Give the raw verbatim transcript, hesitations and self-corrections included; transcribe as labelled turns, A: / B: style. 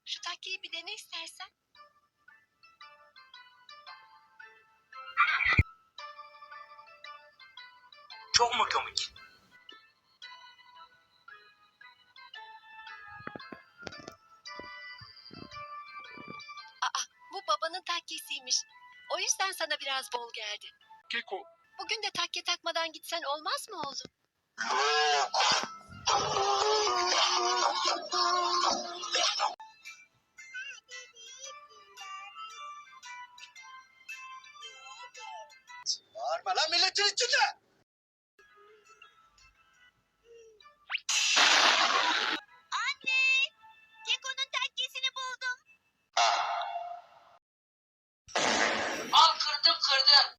A: Şu takkeyi bir dene istersen.
B: Çok mu komik?
A: Aa, bu babanın takkesiymiş. O yüzden sana biraz bol geldi.
C: Keko,
A: Bugün de takke takmadan gitsen olmaz mı oğlum?
B: Bağırma lan milletin içinde.